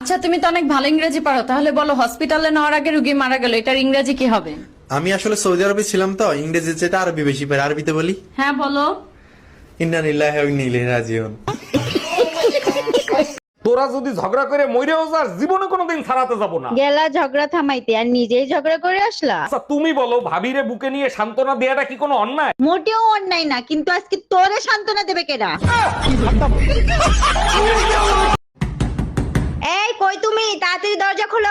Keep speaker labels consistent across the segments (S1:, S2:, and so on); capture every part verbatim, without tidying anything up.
S1: আচ্ছা তুমি তো অনেক ভালো ইংরেজি পারো, তাহলে বলো হসপিটালে নেওয়ার আগে রোগী মারা গেল, এটার ইংরেজি কি হবে?
S2: আমি আসলে সৌদি আরবে ছিলাম তো, ইংরেজি যেটা আরবি বেশি পারি, আরবিতে বলি
S1: হ্যাঁ বলো।
S2: ইন্না লিল্লাহি ওয়া ইন্না ইলাইহি রাজিউন।
S3: তোরা যদি ঝগড়া করে মইরেও যাস, জীবনে কোনোদিন ছাড়াতে যাব না।
S4: গেলা ঝগড়া থামাইতে আর নিজেই ঝগড়া করে আসলা।
S3: আচ্ছা তুমি বলো, ভাবিরে বুকে নিয়ে সান্ত্বনা দেয়াটা কি কোনো অন্যায়?
S4: মোটেও অন্যায় না, কিন্তু আজকে তোরে সান্ত্বনা দেবে কেডা? এই কই তুমি, তাড়াতাড়ি দরজা খোলো।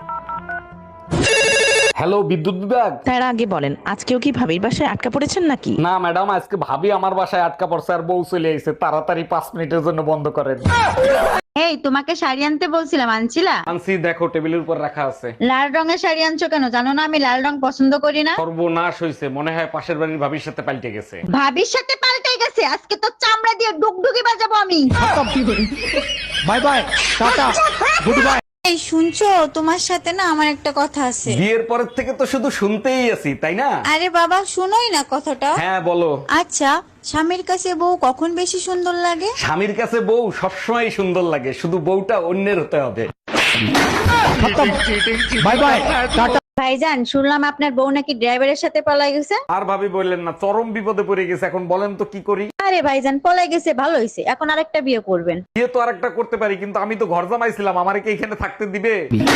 S3: হ্যালো, বিদ্যুৎ বিভাগ।
S5: তার আগে বলেন, আজকেও কি ভাবির বাসায় আটকা পড়েছেন নাকি?
S3: না ম্যাডাম, আজকে ভাবি আমার বাসায় আটকা পড়ছে আর বউ চলে এসেছে। তাড়াতাড়ি পাঁচ মিনিটের জন্য বন্ধ করেন।
S4: এই তোমাকে শাড়ি আনতে বলছিলাম, আনছিলা?
S3: আনছি, দেখো টেবিলের উপর রাখা আছে।
S4: লাল রঙের শাড়ি আনছো কেন? জানো না আমি লাল রং পছন্দ করি না।
S3: সর্বনাশ হইছে, মনে হয় পাশের বাড়ির ভাবির সাথে পাল্টে গেছে।
S4: ভাবির সাথে পাল্টে গেছে? আজকে তো চামড়া দিয়ে ডুগডুগি বাজাবো আমি।
S3: Bye bye, tata, good bye.
S6: এই শুনছো, তোমার সাথে না আমার একটা কথা আছে।
S3: বিয়ের পরের থেকে তো শুধু শুনতেই আছি, তাই না?
S6: আরে বাবা শুনোই না কথাটা।
S3: হ্যাঁ বলো।
S6: আচ্ছা, স্বামীর কাছে বউ কখন বেশি সুন্দর লাগে?
S3: স্বামীর কাছে বউ সবসময় সুন্দর লাগে, শুধু বউটা অন্যের হতে হবে। Bye bye, tata.
S4: ভাইজান, শুনলাম আপনার বউ নাকি ড্রাইভারের সাথে পলাই গেছে।
S3: আর ভাবি বললেন না, চরম বিপদে পড়ে গেছে। এখন বলেন তো কি করি?
S4: আরে ভাইজান, পলাই গেছে ভালো হয়েছে, এখন আরেকটা বিয়ে করবেন।
S3: বিয়ে তো আরেকটা করতে পারি, কিন্তু আমি তো ঘর জামাইছিলাম, আমারে কি এখানে থাকতে দিবে?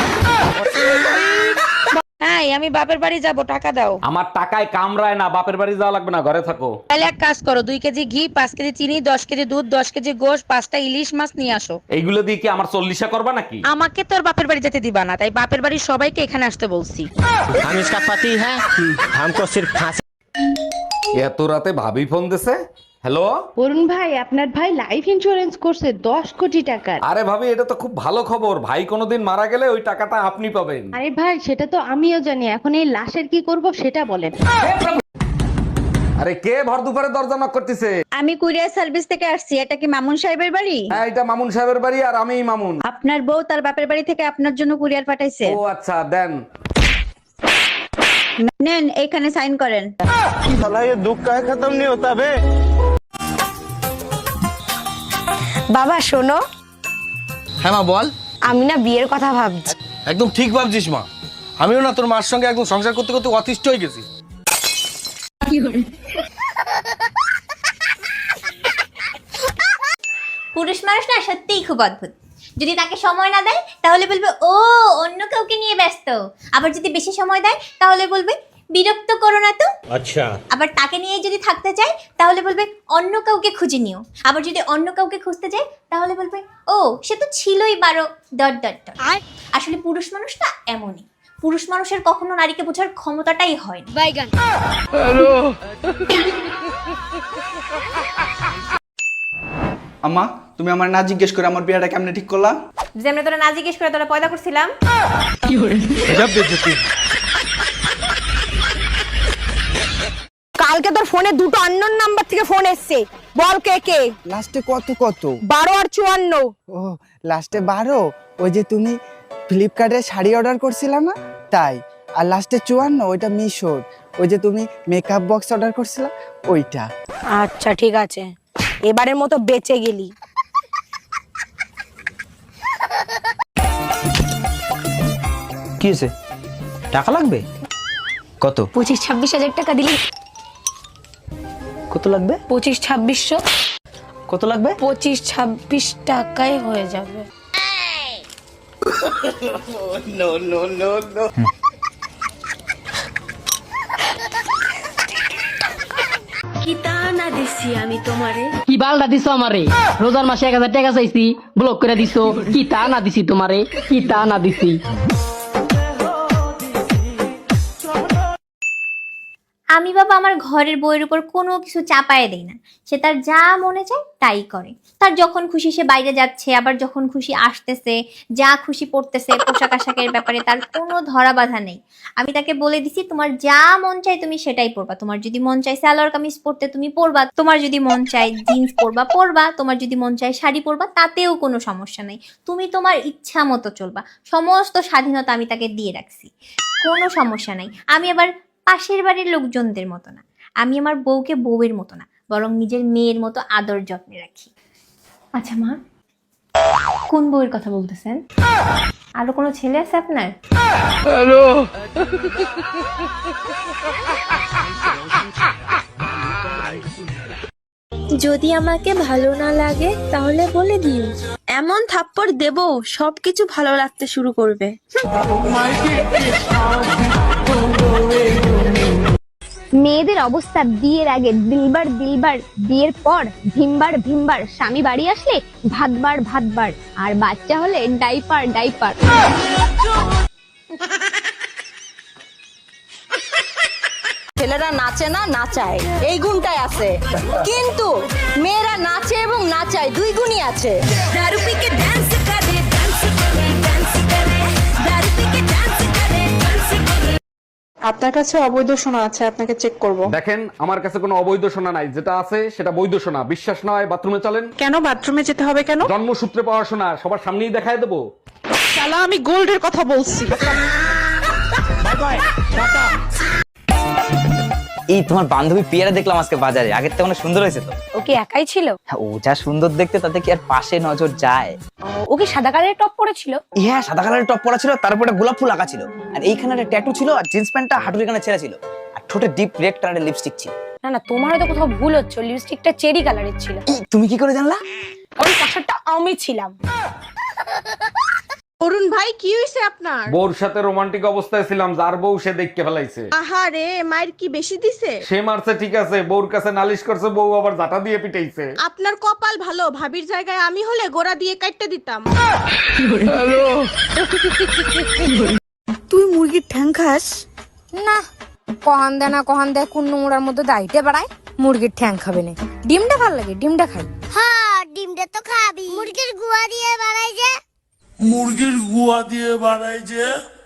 S5: হ্যাঁ, আমি বাপের বাড়ি যাব, টাকা দাও।
S3: আমার টাকায় কামড়ায় না, বাপের বাড়ি যাওয়া লাগবে না, ঘরে থাকো।
S5: তাহলে এক কাজ করো, দুই কেজি ঘি, পাঁচ কেজি চিনি, দশ কেজি দুধ, দশ কেজি গোশ, পাঁচটা ইলিশ মাছ নিয়ে আসো।
S3: এইগুলো দিয়ে কি আমার চল্লিশা করবা নাকি?
S5: আমাকে তো আর বাপের বাড়ি যেতে দিবা না, তাই বাপের বাড়ির সবাইকে এখানে আসতে বলছি।
S7: हम इसका पति है, हमको सिर्फ फांसी।
S3: এত রাতে ভাবি ফোন দিছে। হ্যালো
S8: অরুণ ভাই, আপনার ভাই লাইফ ইন্স্যুরেন্স করছে দশ কোটি টাকার।
S3: আরে ভাবি, এটা তো খুব ভালো খবর। ভাই কোনোদিন মারা গেলে ওই টাকাটা আপনি পাবেন।
S8: আরে ভাই, সেটা তো আমিও জানি, এখন এই লাশের কি করব সেটা বলেন।
S3: আরে কে ভর দুপুরে দরজা নক করতেছে?
S4: আমি কুরিয়ার সার্ভিস থেকে আসছি, এটা কি মামুন সাহেবের বাড়ি?
S3: হ্যাঁ, এটা মামুন সাহেবের বাড়ি, আর আমিই মামুন।
S4: আপনার বউ তার বাপের বাড়ি থেকে আপনার জন্য কুরিয়ার পাঠাইছে।
S3: ও আচ্ছা, দেন।
S4: নেন, এখানে সাইন করেন।
S7: साला ये दुख का खत्म नहीं होता बे।
S9: বাবা শোনো,
S7: হ্যাঁ মা বল।
S9: আমি না বিয়ের কথা ভাবছি।
S7: একদম ঠিক ভাবছিস মা, আমিও না তোর মার সঙ্গে একদম সংসার করতে করতে অতিষ্ঠ হয়ে গেছি।
S10: পুরুষ মানুষ না সত্যিই খুব অদ্ভুত। যদি তাকে সময় না দেয় তাহলে বলবে ও অন্য কাউকে নিয়ে ব্যস্ত, আবার যদি বেশি সময় দেয় তাহলে বলবে বিরক্ত করো না তো।
S7: আচ্ছা।
S10: আবার তাকে নিয়ে যদি থাকতে চায় তাহলে বলবে অন্য কাউকে খুঁজে নিও, আবার যদি অন্য কাউকে খুঁজতে চায় তাহলে বলবে ও সে তো ছিলই বারো ডট ডট ডট। আসলে পুরুষ মানুষ না এমনই, পুরুষ মানুষের কখনো নারীকে বোঝার ক্ষমতাটাই হয় না। বাইগান।
S11: আম্মা, তুমি আমার না জিজ্ঞেস করে আমার বিয়েটা কেমনে ঠিক করলা?
S10: যেমন তোরা না জিজ্ঞেস করে তোরা পয়দা করছিলাম।
S9: কালকে তোর ফোনে দুটো আননোন নাম্বার থেকে ফোন এসছে, বল কে কে?
S11: লাস্টে কত কত?
S9: বারো আর চুয়ান্ন।
S11: ও লাস্টে বারো, ওই যে তুমি ফ্লিপকার্টে শাড়ি অর্ডার করছিলা না তাই। আর লাস্টে চুয়ান্ন, ওইটা মিশোর, ওই যে তুমি মেকআপ বক্স অর্ডার করছিলা ওইটা।
S9: আচ্ছা ঠিক আছে, এবারের মতো বেঁচে গেলি।
S7: কি হয়েছে? টাকা লাগবে? কত?
S9: পঁচিশ ছাব্বিশ হাজার টাকা দিলি।
S7: কত লাগবে?
S9: পঁচিশ ছাব্বিশশো।
S7: কত লাগবে?
S9: পঁচিশ ছাব্বিশ টাকায় হয়ে যাবে।
S7: No no no no.
S5: কি বালটা দিছো আমারে? রোজার মাসে এক হাজার টাকা চাইছি, ব্লক করে দিছো। কি তা না দিছি তোমারে? কি তা না দিছি?
S10: আমি বাবা আমার ঘরের বইয়ের উপর কোনো কিছু চাপায় দেই না, সে তার যা মনে চায় তাই করে। তার যখন খুশি সে বাইরে যাচ্ছে, আবার যখন খুশি আসতেছে, যা খুশি পড়তেছে, পোশাক আশাকের ব্যাপারে তার কোনো ধরা বাধা নেই। আমি তাকে বলে দিছি তোমার যা মন চায় তুমি সেটাই পরবা, তোমার যদি মন চায় সালোয়ার কামিজ পরতে তুমি পরবা, তোমার যদি মন চায় জিন্স পরবা পরবা, তোমার যদি মন চায় শাড়ি পরবা, তাতেও কোনো সমস্যা নেই। তুমি তোমার ইচ্ছা মতো চলবা, সমস্ত স্বাধীনতা আমি তাকে দিয়ে রাখছি, কোনো সমস্যা নাই। আমি আবার পাশের বাড়ির লোকজনদের মতো না, আমি আমার বউকে বউয়ের মতো না, বরং নিজের মেয়ের মতো আদর যত্নে রাখি। আচ্ছা মা, কোন বউয়ের কথা বলতেছেন? আরো কোনো ছেলে আছে আপনার?
S9: যদি আমাকে ভালো না লাগে তাহলে বলে দিও, এমন থাপ্পড় দেব সবকিছু ভালো লাগতে শুরু করবে।
S4: মেয়েদের অবস্থা বিয়ের আগে দিলবার দিলবার, বিয়ের পর ভিমবার ভিমবার, স্বামী বাড়ি আসলে ভাতবার ভাতবার, আর বাচ্চা হলে ডাইপার ডাইপার।
S9: ছেলেরা নাচে না নাচায়, এই গুণটাই আছে, কিন্তু মেয়েরা নাচে এবং নাচায় দুই গুণই আছে।
S8: আপনার কাছে অবৈধ সোনা আছে, আপনাকে চেক করব।
S3: দেখেন আমার কাছে কোনো অবৈধ সোনা নাই, যেটা আছে সেটা বৈধ সোনা। বিশ্বাস নয় বাথরুমে চলেন।
S8: কেন বাথরুমে যেতে হবে কেন?
S3: জন্মসূত্রে পাওয়া সোনা, সবার সামনেই দেখায় দেবো।
S8: শালা আমি গোল্ডের কথা বলছি।
S11: এই তোমার বান্ধবী পিয়ারা দেখলাম আজকে বাজারে, আগের থেকে অনেক সুন্দর হয়েছে তো।
S9: ও কি একাই ছিল?
S11: ও যা সুন্দর দেখতে, তাতে কি আর পাশে নজর যায়?
S9: ও কি সাদা কালারের টপ পরেছিল?
S11: হ্যাঁ, সাদা কালারের টপ পরা ছিল, তারপরে গোলাপ ফুল আঁকা ছিল, আর এইখানে একটা ট্যাটু ছিল, আর জিন্স প্যান্টটা হাঁটুর এখানে ছেঁড়া ছিল, আর ঠোঁটে ডিপ রেড কালারের লিপস্টিক ছিল।
S9: না না, তোমার হয়তো কোথাও ভুল হচ্ছে, লিপস্টিকটা চেরি কালারের ছিল।
S11: এই, তুমি কি করে জানলা?
S9: ওই পাশারটা আমি ছিলাম।
S6: অরুণ ভাই কি হইছে আপনার?
S3: বউর সাথে রোমান্টিক অবস্থায় ছিলাম, যার বউ সে দেখতে ফেলাইছে।
S6: আহারে, মায়ের কি বেশি দিছে?
S3: সে মারছে ঠিক আছে, বউর কাছে নালিশ করছে, বউ আবার জাটা দিয়ে পিটাইছে।
S6: আপনার কপাল ভালো, ভাবির জায়গায় আমি হলে গোড়া দিয়ে কাটতে দিতাম।
S9: তুই মুরগির ঠ্যাং খাস না? কহান দেয় না কহান দেয়, কোন নোংরার মধ্যে দাইতে বাড়ায়। মুরগির ঠ্যাং খাবে না, ডিমটা ভালো লাগে, ডিমটা খাই।
S4: হ্যাঁ, ডিমটা তো খাবি। মুরগির গুয়া দিয়ে বানাই যে।
S7: মুরগির গুয়া দিয়ে বানাই যে।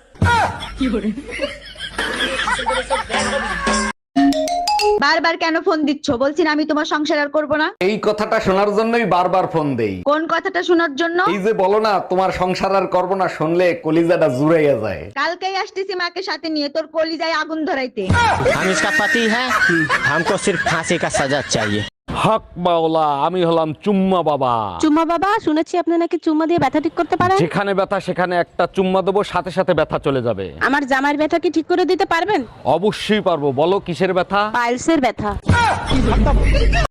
S4: বারবার কেন ফোন দিচ্ছ? বলছি না আমি তোমার সংসার আর করবো না।
S3: এই কথাটা শোনার জন্যই বারবার ফোন দেই।
S4: কোন কথাটা শোনার জন্য?
S3: এই যে বলো না তোমার সংসার আর করবো না, শুনলে কলিজাটা জুড়াইয়া যায়।
S4: কালকেই আসতেছি মাকে সাথে নিয়ে, তোর কলিজায় আগুন ধরাইতে।
S7: हम इसका पति है, हमको सिर्फ फांसी का सजा चाहिए।
S3: হক মাওলা, আমি হলাম চুম্মা বাবা।
S8: চুম্মা বাবা, শুনেছি আপনি নাকি চুম্মা দিয়ে ব্যথা ঠিক করতে পারেন।
S3: যেখানে ব্যথা সেখানে একটা চুম্মা দেবো, সাথে সাথে ব্যথা চলে যাবে।
S8: আমার জামাইয়ের ব্যথা কি ঠিক করে দিতে পারবেন?
S3: অবশ্যই পারবো, বলো কিসের ব্যথা?
S8: পাইলসের ব্যথা।